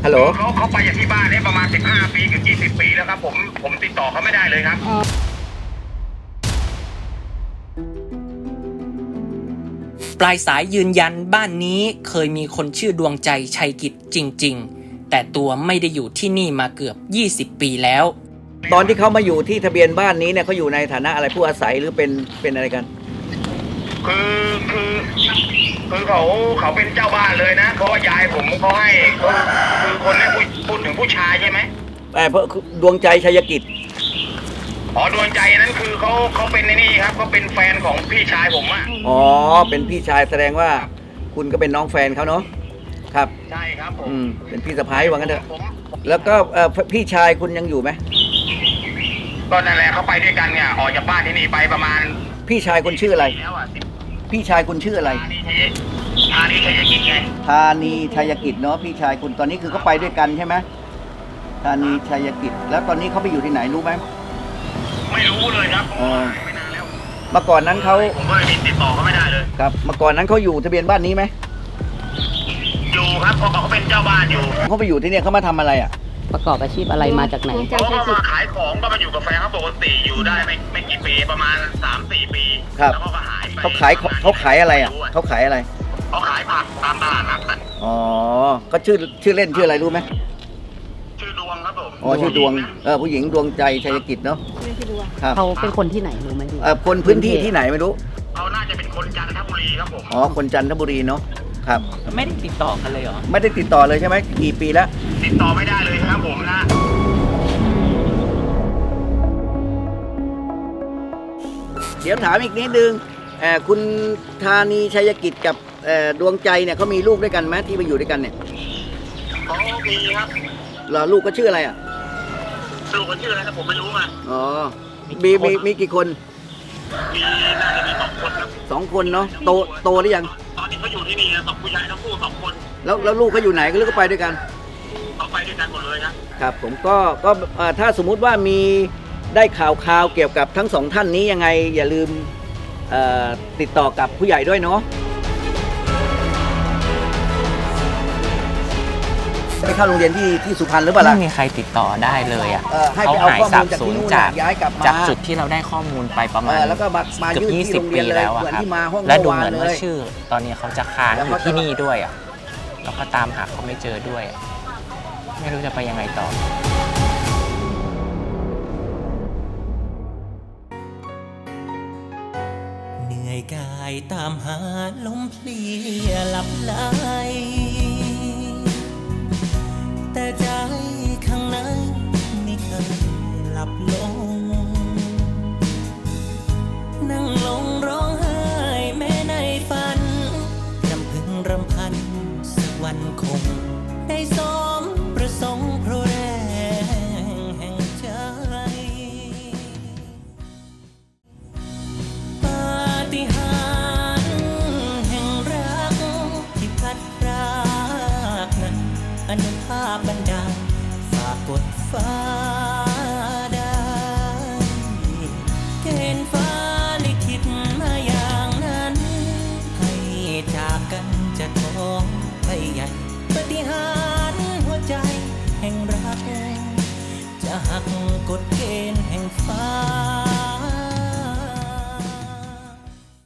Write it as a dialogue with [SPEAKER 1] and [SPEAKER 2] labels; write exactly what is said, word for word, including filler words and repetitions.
[SPEAKER 1] ฮัลโหล
[SPEAKER 2] เขาเขาไปจากที่บ้านเนี่ยประมาณสิบห้าปีถึงยี่สิบปีแล้วครับผมผมติดต่อเขาไม่ได้เลยครับ
[SPEAKER 3] ปลายสายยืนยันบ้านนี้เคยมีคนชื่อดวงใจชัยกิจจริงๆแต่ตัวไม่ได้อยู่ที่นี่มาเกือบยี่สิบปีแล้ว
[SPEAKER 1] ตอนที่เขามาอยู่ที่ทะเบียนบ้านนี้เนี่ยเขาอยู่ในฐานะอะไรผู้อาศัยหรือเป็นเป็นอะไรกัน
[SPEAKER 2] คือคือคือเขาเขาเป็นเจ้าบ้านเลยนะเพราะว่ายายผมเขาให้เขาคือคนนี้พูดพูดถึงผู้ชายใช่ไหม
[SPEAKER 1] แต่เพราะดวงใจชัยกิจ
[SPEAKER 2] อ๋อดวงใจนั้นคือเขาเขาเป็นในนี่ครับเขาเป็นแฟนของพี่ชายผมอ่ะ
[SPEAKER 1] อ๋อเป็นพี่ชายแสดงว่าคุณก็เป็นน้องแฟนเขาเนาะครับ
[SPEAKER 2] ใช่ครับผม
[SPEAKER 1] อืมเป็นพี่สะพ้ายว่างั้นเถอะแล้วก็พี่ชายคุณยังอยู่ไหม
[SPEAKER 2] ก็นั่นแหละเขาไปด้วยกันเนี่ยออกจากบ้านที่นี่ไปประมาณ
[SPEAKER 1] พี่ชายคุณชื่ออะไรพี่ชายคุณชื่ออะไร
[SPEAKER 2] ธานีชัยกิจไง
[SPEAKER 1] ธานีชัยกิจเนาะพี่ชายคุณตอนนี้คือเขาไปด้วยกันใช่ไหมธานีชัยกิจแล้วตอนนี้เขาไปอยู่ที่ไหนรู้ไหม
[SPEAKER 2] ไม่รู้เลยครับไม่นานแล้ว
[SPEAKER 1] เมื่อก่อนนั้นเขา
[SPEAKER 2] ผมก็เลยติดต่อเขาไม่ได้เลย
[SPEAKER 1] ครับเมื่อก่อนนั้นเขาอยู่ทะเบียนบ้านนี้ไหม
[SPEAKER 2] อยู่ครับเพราะเขาเป็นเจ้าบ้านอยู่
[SPEAKER 1] เขาไปอยู่ที่นี่เขามาทำอะไรอ่ะ
[SPEAKER 4] ประกอบอาชีพอะไรมาจากไหน
[SPEAKER 2] เขาก็มาขายของก็มาอยู่กับแฟนเขาปกติอยู่ได้ไม่ไม่กี่ปีประมาณสามสี่ปี
[SPEAKER 1] ครับ
[SPEAKER 2] แล้วก็หายไป
[SPEAKER 1] เขาขายเขาขายอะไรอ่ะเขาขายอะไร
[SPEAKER 2] เขาขายผักตามตลาดนัดกัน
[SPEAKER 1] อ๋อก็ชื่อชื่อเล่นชื่ออะไรรู้ไหม
[SPEAKER 2] ชื่อดวงครับผม
[SPEAKER 1] อ๋อชื่อดวงเออผู้หญิงดวงใจชัยกิจเนาะ
[SPEAKER 4] ครับเขาเป็นคนที่ไหนรู้ไหม
[SPEAKER 1] เออคนพื้นที่ที่ไหนไม่รู้
[SPEAKER 2] เขาน่าจะเป็นคนจันทบุรีครับผม
[SPEAKER 1] อ๋อคนจันทบุรีเนาะครับ
[SPEAKER 3] ไม่ได้ติดต่อกันเลยเหรอ
[SPEAKER 1] ไม่ได้ติดต่อเลยใช่ไหมกี่ปีแล้ว
[SPEAKER 2] ติดต่อไม่ได้เลยครับผมนะ
[SPEAKER 1] เดี๋ยวถามอีกนิดนึงคุณธานีชัยกิจกับดวงใจเนี่ยเขามีลูกด้วยกันไหมที่ไปอยู่ด้วยกันเนี่ย
[SPEAKER 2] เขามีครับ
[SPEAKER 1] เหรอลูกก็ชื่ออะไรอ่ะ
[SPEAKER 2] ลูกก็ชื่ออะไรครับผมไม่รู้มา
[SPEAKER 1] อ๋อมีมีมีกี่คน
[SPEAKER 2] มีน่าจะมีสองคนครับ
[SPEAKER 1] สองคนเนาะโตโตหรือยัง
[SPEAKER 2] ตอนนี้เขาอยู่ที่นี่นะสองผู้ชายทั้งคู่สองคน
[SPEAKER 1] แล้วแล้วลูกเขาอยู่ไหนก็ลูกก็ไปด้วยกัน
[SPEAKER 2] เขาไปด้วยกันหมดเลยครับ
[SPEAKER 1] ครับผมก็ก็ถ้าสมมุติว่ามีได้ข่าวข่าวเกี่ยวกับทั้งสองท่านนี้ยังไงอย่าลืมติดต่อกับผู้ใหญ่ด้วยเนาะไปเข้าโรงเรียนที่ที่สุพรรณหรือเปล่าล่ะ
[SPEAKER 3] ไม่มีใครติดต่อได้เลยอ่ะ
[SPEAKER 1] เขาหายสาบสูญจาก
[SPEAKER 3] จากจุดที่เราได้ข้อมูลไปประมาณเกือบยี่สิบปีแล้วอะครับและดูเหมือนว่าชื่อตอนนี้เขาจะค้างอยู่ที่นี่ด้วยอ่ะแล้วก็ตามหาเขาไม่เจอด้วยไม่รู้จะไปยังไงต่อ
[SPEAKER 5] เหนื่อยกายตามหาลมเพลียหลับไหลแต่ใจข้างในไม่เคยหลับลงนั่งลงร้องไห้แม้ในฝันรำพึงรำพันสักวันคงได้สมประสงค์เพราะแรงแห่งใจปาฏิหาริย์แห่งรักที่พัดพรากนั้นอนุภาพบันดาลฝากกดฟ้าได้เกณฑ์ฟ้าลิขิตมาอย่างนั้นให้จากกันจะท้องไปใหญ่ปาฏิหาริย์หัวใจแห่งรักจะหักกฎเกณฑ์แห่งฟ้า